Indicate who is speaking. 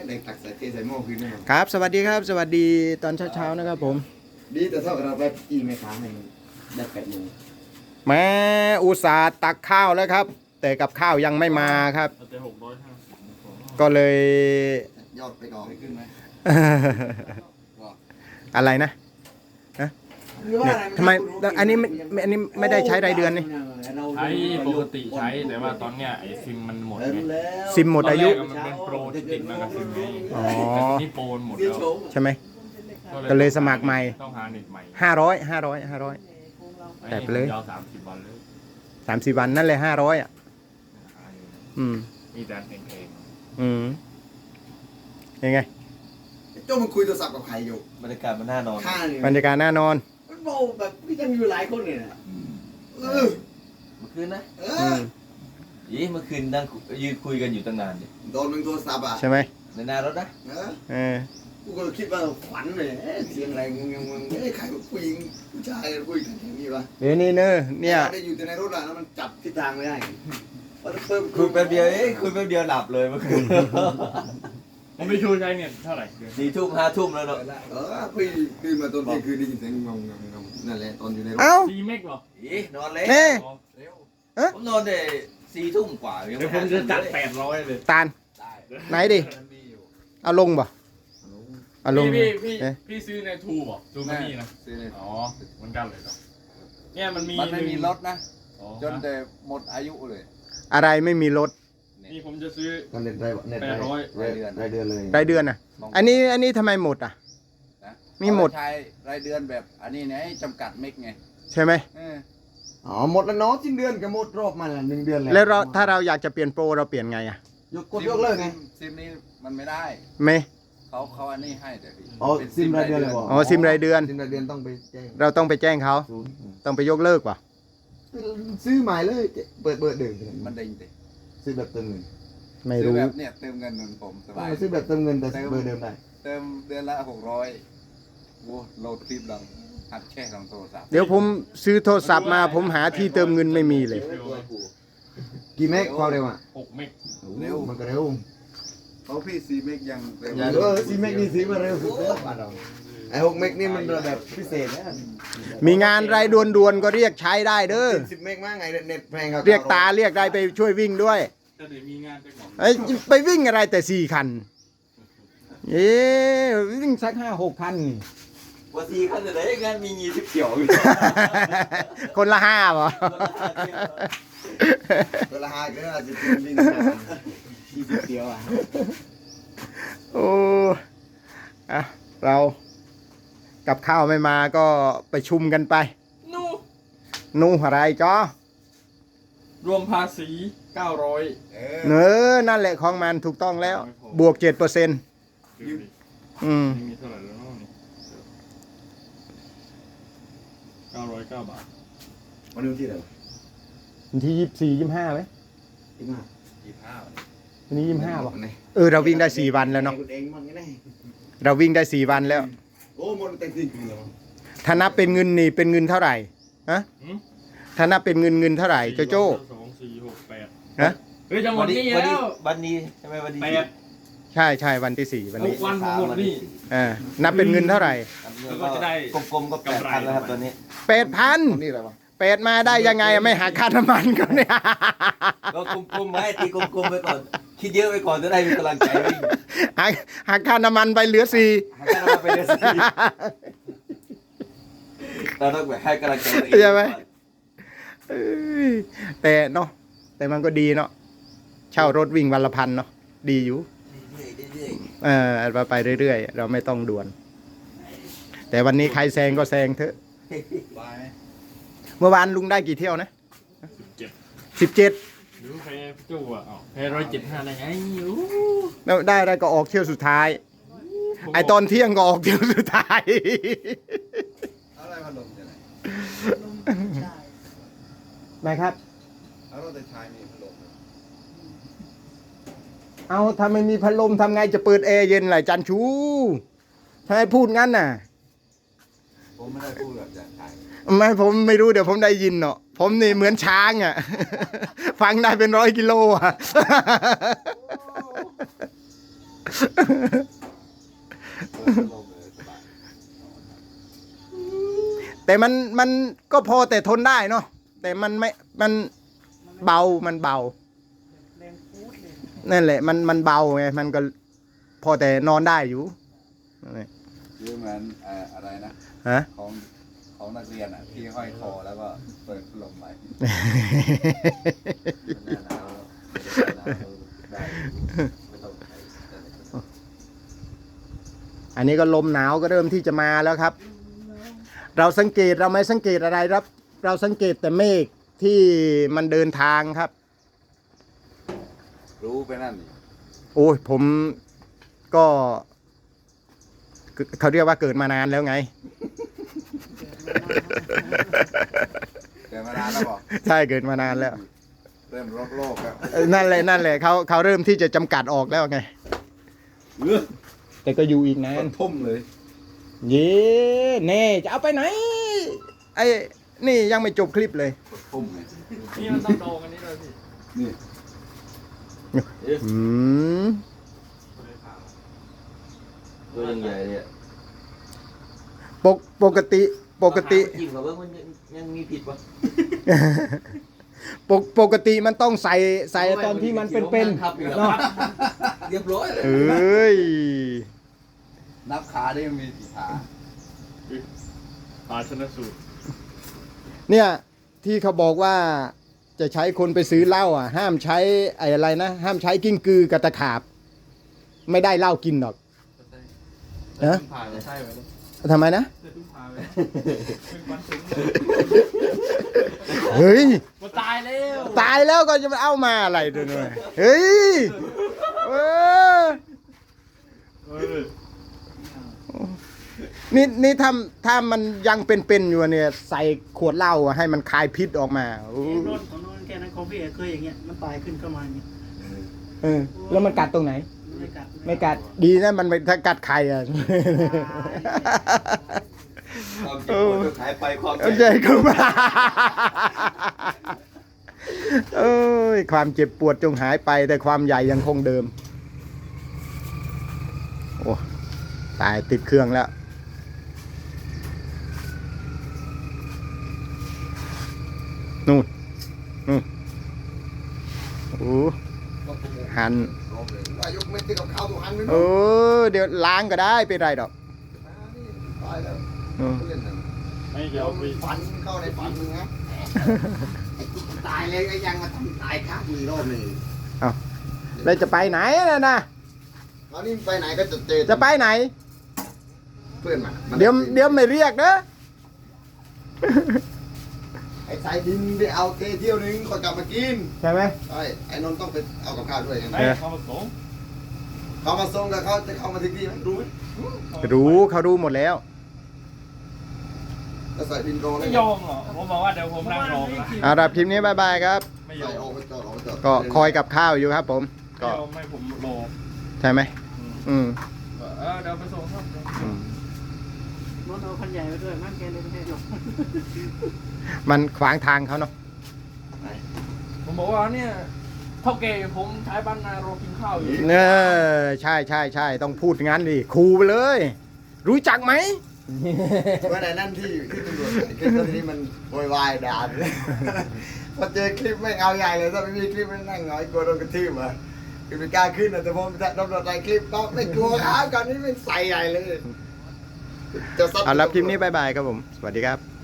Speaker 1: เด็กตักใส่เทใส่หม้อคืนนะครับ
Speaker 2: ครับสวัสดีครับสวัสดีตอนเช้าๆนะครับผม
Speaker 1: ดีแต่ถ้าเราไปจีแม่ค้าให้ได้8 โมง
Speaker 2: แม้อุตส่าห์ตักข้าวแล้วครับ แต่กับข้าวยังไม่มาครับ
Speaker 3: แต่650
Speaker 2: ก็เลย
Speaker 1: ยอดไปก่อนขึ้นไหม
Speaker 2: อะไรนะเนี่ยทำไมแล้วอันนี้ไม่ได้ใช้รายเดือนนี่
Speaker 3: ใช้ปกติใช้แต่ว่าตอนเนี้ยไอ้ซิมมันหมดไง
Speaker 2: ซิมหมดอายุ
Speaker 3: ตนแรกมันเป็นโปรที่ติดมากับซิมไง
Speaker 2: อ๋อ
Speaker 3: แต่นี่โปรหมดแล้ว
Speaker 2: ใช่ไหม ก็เลยสมัครใหม่
Speaker 3: ต้องหาเน็ตใหม่
Speaker 2: 500 แต่ไปเลย
Speaker 3: ยาว30 วันเลย
Speaker 2: 30 วันนั่นเลย500อ่ะ
Speaker 3: มีแต่เพลง
Speaker 2: ยังไง
Speaker 1: โจ้มันคุยโทรศัพท์กับใครอยู่
Speaker 4: บรรยากาศมันน่านอน
Speaker 1: ข้าเนี่ย
Speaker 2: บรรยากาศน่านอน
Speaker 1: มันโบแบบพี่ยังอยู่หลายคนเนี่ยนะเออ
Speaker 4: เมื่อคืนนะ
Speaker 1: เอ
Speaker 2: อื
Speaker 1: อ
Speaker 2: ม
Speaker 4: เมื่อคืนนั่งยืนคุยกันอยู่ตั้งนานดิ
Speaker 1: โดนมึงโทรศัพท์อ่ะ
Speaker 2: ใช่ไหม
Speaker 4: ในหน้ารถนะ
Speaker 1: เออ
Speaker 2: เออ
Speaker 1: กูก็คิดว่าฝันเลยเสียงอะไรมึงใครผู้หญิงผู้ชายคุยกันอย่างนี้วะ
Speaker 2: เดี๋ยวนี้เนอะเนี่ย
Speaker 1: ได้อยู่แต่ในรถอ่ะแล้วมันจับทิศทางไม่ได้พอเพิ่ม
Speaker 4: คุยแป๊บเดียวคุยแป๊บเดียวหลับเลยเมื่อคืน
Speaker 3: ๆผมไม่ชูใช้เน็ตเท่าไหร่
Speaker 4: 4 ทุ่ม 5 ทุ่มแล้วเนาะ
Speaker 1: พี่ตื่นมาตอนเที่ยงคืนได้ยินเสียงงงนั่นแหละตอนอยู่ในรถ
Speaker 2: เอ้า
Speaker 3: 4 เมกเหรอน
Speaker 4: อนเล็ก
Speaker 2: เอ๊ะ
Speaker 4: ผมนอนได้4 ทุ่มกว่า
Speaker 3: เดี๋ยวผมจะจัด800เลย
Speaker 2: ตาล
Speaker 4: ได้
Speaker 2: ไหนดิเอาลงบ่เอาลง
Speaker 3: พี่ซื้อในทูบอกทูมันนี่นะอ๋อเหมือนกันเลยเหรอเนี่ยมันมี
Speaker 5: มันไม่มีรถนะ
Speaker 3: อ๋อ
Speaker 5: จนแต่หมดอายุเลย
Speaker 2: อะไรไม่มีรถ
Speaker 3: นี่ผมจะซื้อ
Speaker 1: ก็เน็ตรายเน็ต
Speaker 3: 800
Speaker 1: รายเดือนเลย
Speaker 2: รายเดือนอ่ะ อันนี้ทำไมหมดอ่ะ
Speaker 5: นะ
Speaker 2: มีหมด
Speaker 5: เขาใช้รายเดือนแบบอันนี้ไงจำกัดเมกไง
Speaker 2: ใช่ไหม
Speaker 5: เออ
Speaker 1: อ๋อหมดแล้วเนาะสิ้นเดือนก็หมดรอบมันละ1 เดือน
Speaker 2: แล้วเราถ้าเราอยากจะเปลี่ยนโปรเราเปลี่ยนไงอ่ะ
Speaker 1: กดยกเลิกไง
Speaker 5: ซิมนี้มันไม่ได้
Speaker 2: ไม่
Speaker 5: เขาอันนี้ให้แต่พี่
Speaker 1: อ๋อซิมรายเดือนเลยบอก
Speaker 2: อ๋อซิมรายเดือน
Speaker 1: ซิมรายเดือนต้องไปแจ้ง
Speaker 2: เราต้องไปแจ้งเขา
Speaker 1: ศูนย์
Speaker 2: ต้องไปยกเลิกว่ะ
Speaker 1: ซื้อใหม่เลยเปิดเดิม
Speaker 5: มันเด้งติ
Speaker 1: ซื้อแบบเติมเงิน
Speaker 2: ไม่
Speaker 5: ซื้อ
Speaker 2: รู้
Speaker 5: แบบเนี่ยเติมเงินเหมือนผมสบาย
Speaker 1: ซื้อแบบเติมเงินแต่เบอร์เดิมได้
Speaker 5: เติมเดือนละ600โว้โหลดคลิปดังหัดแช่ของโทรศัพท์
Speaker 2: เดี๋ยวผมซื้อโทรศัพท์มาผมหาที่เติมเงินไม่มีเลย
Speaker 1: กี่เมกความเร็วอ่ะ
Speaker 3: 6 เมก
Speaker 1: เร็วมันก็เร็ว
Speaker 5: เขาพี่ซีเมกยังเร็ว
Speaker 1: 4 เมกนี่ซื้อมาเร็วสุดแล้วบ้านเราไอ้6 เมกนี่มันแบบพิเศษนะ
Speaker 2: มีงานรายด่วนๆก็เรียกใช้ได้เด้อ
Speaker 1: 10 เมกมากไงเน็ตแพงครับ
Speaker 2: เรียกตาเรียกได้ไปช่วยวิ่งด้วย
Speaker 3: จะได้มีงานไปก่อน
Speaker 2: เอ้ยไปวิ่งอะไรแต่4 คันวิ่งสัก5-6 คันนี่
Speaker 4: ว่า4คันเลยงานมี20เกี่ยวอยู่
Speaker 2: คนละ5ป่ะ
Speaker 1: เวลาก็อาจจะวิ่ง20 เดียวอ่ะ
Speaker 2: โอ้อะเรากับข้าวไม่มาก็ไปชุมกันไป
Speaker 3: นู่
Speaker 2: นู่อะไรจ้อ
Speaker 3: รวมภาษี900
Speaker 2: เนอนั่นแหละของมันถูกต้องแล้ว บวก 7%
Speaker 3: ดูดิมีเท่าไหร่แล้วเนาะนี่909 บาท
Speaker 1: วันนี้ที่ไหน
Speaker 2: วันที่24-25ไหม
Speaker 5: 25
Speaker 2: วันนี้25ป่ะเราวิ่งได้4 วันแล้วเนาะ
Speaker 1: เองมันไง
Speaker 2: เราวิ่งได้4 วันแล้ว
Speaker 1: โอ้หมดแต่จริงเหรอ
Speaker 2: ถ้านับเป็นเงินนี่เป็นเงินเท่าไหร่ฮะ
Speaker 3: หืม
Speaker 2: ถ้านับเป็นเงินเท่าไหร่โจโจ้
Speaker 3: 2 4 6 8
Speaker 2: ฮะ
Speaker 3: เฮ้ยจะหมดนี่แล้ว
Speaker 4: วันนี้ใช่ไหมวันนี้
Speaker 2: ใช่วันที่4วันนี้
Speaker 3: 6 วันผมหมดนี่
Speaker 2: นับเป็นเงินเท่าไหร่
Speaker 3: แล้วก็จะได้
Speaker 4: กลมๆก็8,000แล้วครับตอนนี้
Speaker 2: 8,000
Speaker 1: นี่อะไรวะ
Speaker 2: 8มาได้ยังไงไม่หักค่าน้ำมันก็เนี่ย
Speaker 4: ก็กลมๆไว้ตีกลมๆไปก่อนคิดเยอะไปก่อนจะได้มีกำลังใจวิ่ง
Speaker 2: หักค่าน้ำมันไปเหลือ4
Speaker 4: ให้กำลังไปเรื่อยๆเราต้องแบบให้กำลังใจตัวเอง
Speaker 2: ใช่ไหม เอ้ยแต่เนาะแต่มันก็ดีเนาะเช่ารถวิ่งวันละ1,000เนาะดีอยู่
Speaker 4: เรื่อย
Speaker 2: ไปเรื่อยๆเราไม่ต้องด่วน แต่วันนี้ใครแซงก็แซงเถอะ
Speaker 5: บายไหม
Speaker 2: เมื่อวานลุงได้กี่เที่ยวนะ
Speaker 3: 17
Speaker 2: 17
Speaker 3: หรือแพ้จู่อ่ะแพ้175ได้ไงอู้
Speaker 2: แล้วได้ก็ออกเที่ยวสุดท้าย ไอตอนเที่ยงก็ออกเที่ยวสุดท้าย
Speaker 5: อะไรพัดลมจะไหน
Speaker 2: นะครับ
Speaker 5: เอาเราแต่ชายมีพัดลม
Speaker 2: เอาถ้าไม่มีพัดลมทำไงจะเปิดแอร์เย็นล่ะจันชูทำไมพูดงั้นน่ะ
Speaker 5: ผมไม่ได้พูดแบบจากชาย
Speaker 2: ไม่ผมไม่รู้เดี๋ยวผมได้ยินเนาะผมนี่เหมือนช้างอ่ะ ฟังได้เป็น100 กิโลอ่ะแต่มันก็พอแต่ทนได้เนาะแต่มันไม่มันเบามันเบานั่นแหละมันเบาไงมันก็พอแต่นอนได้อยู่นั่นแหละ
Speaker 5: คือเหมือนอะไรนะ
Speaker 2: ฮะ
Speaker 5: ของนักเรียนอ่ะที่ห้อยคอแล้วก็เปิดพัดลมไป
Speaker 2: อันนี้ก็ลมหนาวก็เริ่มที่จะมาแล้วครับ เราสังเกตเราไม่สังเกตอะไรครับ เราสังเกตแต่เมฆที่มันเดินทางครับ
Speaker 5: รู้ไปนั่นนี่
Speaker 2: โอ้ยผมก็เขาเรียกว่าเกิดมานานแล้วไง
Speaker 5: แต่มานานแล้วบอก
Speaker 2: ใช่เกิดมานานแล้ว
Speaker 5: เริ่มโลกแล้ว
Speaker 2: นั่นแหละเขาเริ่มที่จะจำกัดออกแล้วไง แต่ก็อยู่อีกนาน
Speaker 5: ทุ่มเลย
Speaker 2: เย้เน่จะเอาไปไหนไอ้นี่ยังไม่จบคลิปเลย
Speaker 5: ทุ่มไง
Speaker 3: นี่มันต้องโดนกันนี้เลยพี่
Speaker 5: นี่
Speaker 2: อืม
Speaker 4: ตัวยังใหญ่เนี่ย
Speaker 2: ปกติ
Speaker 4: จิ้มกับเบิ้งมันยังมีผิดปะ
Speaker 2: ปกติมันต้องใส่ตอนที่มันเป็นๆเนาะ
Speaker 4: เรียบร้อยเลย
Speaker 2: เอ้ย
Speaker 5: นับขาได้มีกี่ขา
Speaker 3: ปาชนะสูตร
Speaker 2: เนี่ยที่เขาบอกว่าจะใช้คนไปซื้อเหล้าอ่ะ ห้ามใช้ไอ้อะไรนะห้ามใช้กิ้งกือกับตะขาบ ไม่ได้เหล้ากินหรอก ฮะ
Speaker 3: ผ่านเลยใช่ไหมเนี่ย
Speaker 2: ทำไมนะ
Speaker 3: จะตุ้มผ่านเลยเป็นวันถึง
Speaker 2: เฮ้ย
Speaker 3: มันตายแล้ว
Speaker 2: ตายแล้วก็จะมาเอามาอะไรด้วยเนี่ยเฮ้ยเออนี่ถ้ามันยังเป็นอยู่เนี่ยใส่ขวดเหล้าอะให้มันคายพิษออกมาโอ้
Speaker 6: โน่นของโน่นแค่นั้นของพี่เอกเคยอย่างเงี้ยมันตายขึ้นเข้ามาอย่างเงี้ย
Speaker 2: เออแล้วมันกัดตรงไหน
Speaker 6: ไม่กัด
Speaker 2: ไม่กัดดีนะมันไม่ถ้ากัดใครอ่ะ
Speaker 4: ความเจ็บปวดก็หายไปความ
Speaker 2: เอาใจเข้ามาเอ้ยความเจ็บปวดจงหายไปแต่ความใหญ่ยังคงเดิมโอ้ตายติดเครื่องแล้วนู่นโอ้หัน
Speaker 1: วายกเม็ดที่กับข้าวตัวหันไม่
Speaker 2: เออเดี๋ยวล้างก็ได้เป็นไรดอก
Speaker 1: ตายแล้ว
Speaker 2: เออ
Speaker 1: เล่นหนึ่ง
Speaker 3: ไม่
Speaker 1: เดี๋
Speaker 3: เดี๋
Speaker 1: ย
Speaker 3: ยว วไป
Speaker 1: ฝันเข้าในฝันมึงนะไอ้กูตายเลยก็ยังมาทำตายข้างมือรอบหนึ่ง
Speaker 2: แล้วจะไปไหนนะ
Speaker 1: คราวนี้ไปไหนก็จะเจอ
Speaker 2: จะไปไหน
Speaker 1: เพื่อนมัน
Speaker 2: เดี๋ยวไม่เรียกนะ
Speaker 1: ไอ้สายดินไปเอาเที่ยวนึงก่อนกลับมากิน
Speaker 2: ใช่ไหม
Speaker 1: ใช่ไอ้นนท์ต้องไปเอากับข้าวด้วยไง
Speaker 3: ไหนเขามาส่ง
Speaker 1: เขามาส่งกับเขาจะเข้ามาถึงที่ไหมรู้ไหม
Speaker 2: รู้เขารู้หมดแล้ว
Speaker 1: แล้วสายดินโดนเล
Speaker 3: ไม่
Speaker 1: ย
Speaker 3: ยอมหรอผมบอกว่าเดี๋ยวผมนั่งรอนะ
Speaker 2: เอาละคลิปนี้บายบายครับ
Speaker 3: ไม่ย
Speaker 1: ใส่
Speaker 3: อม
Speaker 1: ออกไปจอดออกไปจอด
Speaker 2: ก็คอยกับข้าวอยู่ครับผม
Speaker 3: ไม่
Speaker 2: ก็
Speaker 3: ยอมไม่ผมรอ
Speaker 2: ใช่ไหมอืม
Speaker 3: เดี๋ยวไปส่งครับ
Speaker 2: อืม
Speaker 6: รถเอาคันใหญ่ไปด้วยมันแกเลยไม่ให้หรอก
Speaker 2: มันขวางทางเขาเนาะ
Speaker 3: ผมบอกว่าเนี่ยเท่าแก่ผมใช้บ้านนารอกินข้าวอยู่
Speaker 2: เออใช่ต้องพูดงั้นดิคูไปเลย รู้จักไหม
Speaker 1: เมื่อไหร่นั่นที่ตำรวจถ่ายคลิปตอนนี้มันโวยวายด่าเลยพอเจอคลิปไม่เอาใหญ่เลยถ้าไม่มีคลิปไม่นั่งหงอยกลัวโดนกระทืบอ่ะคือไม่กล้าขึ้นนะแต่ผมตำรวจถ่ายคลิปต้องไม่กลัวครับก่อนนี้ไม่ใส่ใหญ่เลยจะซัด
Speaker 2: เอาละคลิปนี้บายบายครับผม สวัสดีครับ